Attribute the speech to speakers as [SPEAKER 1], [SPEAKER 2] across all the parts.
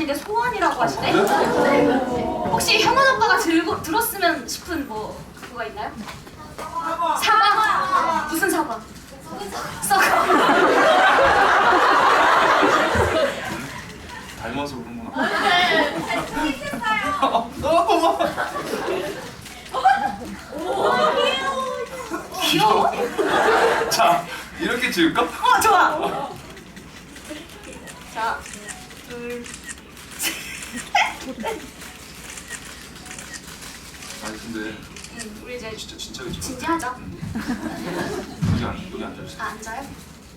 [SPEAKER 1] 말씀하시는 게 소원이라고 하시네? 혹시 형원 오빠가 들었으면 싶은 뭐 그거가 있나요? 사과? 무슨 사과? 썩어.
[SPEAKER 2] 닮아서 그런 건
[SPEAKER 1] 귀여워?
[SPEAKER 2] 자, 이렇게 지을까?
[SPEAKER 1] 좋아. 자, 둘.
[SPEAKER 2] 아니 근데
[SPEAKER 1] 우리 이제
[SPEAKER 2] 진짜 진짜게 찍어.
[SPEAKER 1] 진지하죠?
[SPEAKER 2] 여기 앉아주세요.
[SPEAKER 1] 아, 앉아요?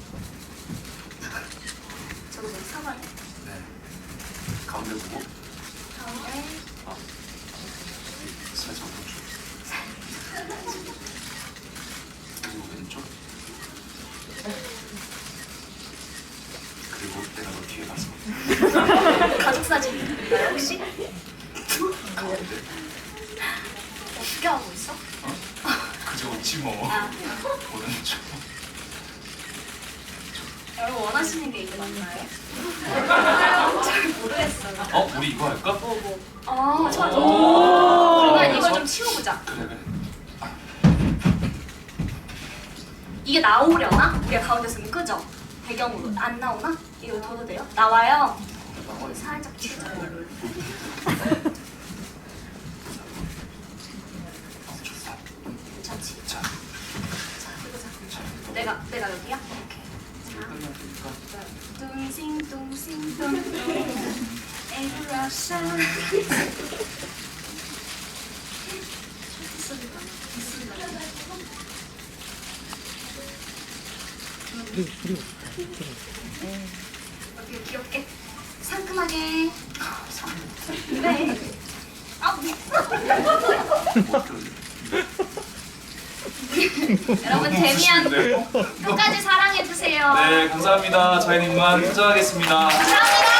[SPEAKER 1] 저도 뭐 사과요?
[SPEAKER 2] 네. 가운데 보고
[SPEAKER 1] 가운데.
[SPEAKER 2] 살짝 오른쪽. 그리고 왼쪽. 그리고 내가 너 뒤에 가서
[SPEAKER 1] 가족 사진인가요 혹시?
[SPEAKER 2] 가운데.
[SPEAKER 1] 어떻게 하고 있어?
[SPEAKER 2] 그저 웃지 뭐.
[SPEAKER 1] 아,
[SPEAKER 2] 오른쪽.
[SPEAKER 1] 여러분 원하시는 게 이게 맞나요? 잘 모르겠어요.
[SPEAKER 2] 우리 이거 할까?
[SPEAKER 1] 좋아.
[SPEAKER 2] 오.
[SPEAKER 1] 그러면 이걸 좀 치워보자.
[SPEAKER 2] 그래.
[SPEAKER 1] 이게 나오려나? 우리가 가운데 쓰면 끄죠? 배경으로 안 나오나? 이거 둬도 돼요? 나와요. 살짝 치우자.
[SPEAKER 2] 좋다.
[SPEAKER 1] 괜찮지?
[SPEAKER 2] 자,
[SPEAKER 1] 자, 이거 자. 내가 여기야? 오케이.
[SPEAKER 2] 끝났으니까.
[SPEAKER 1] 둥싱둥싱둥 에브라샤 이렇게 귀엽게 상큼하게 네. 여러분 데미안 끝까지 사랑해주세요.
[SPEAKER 2] 네, 감사합니다. 저희는 이만 퇴장하겠습니다.
[SPEAKER 1] 감사합니다.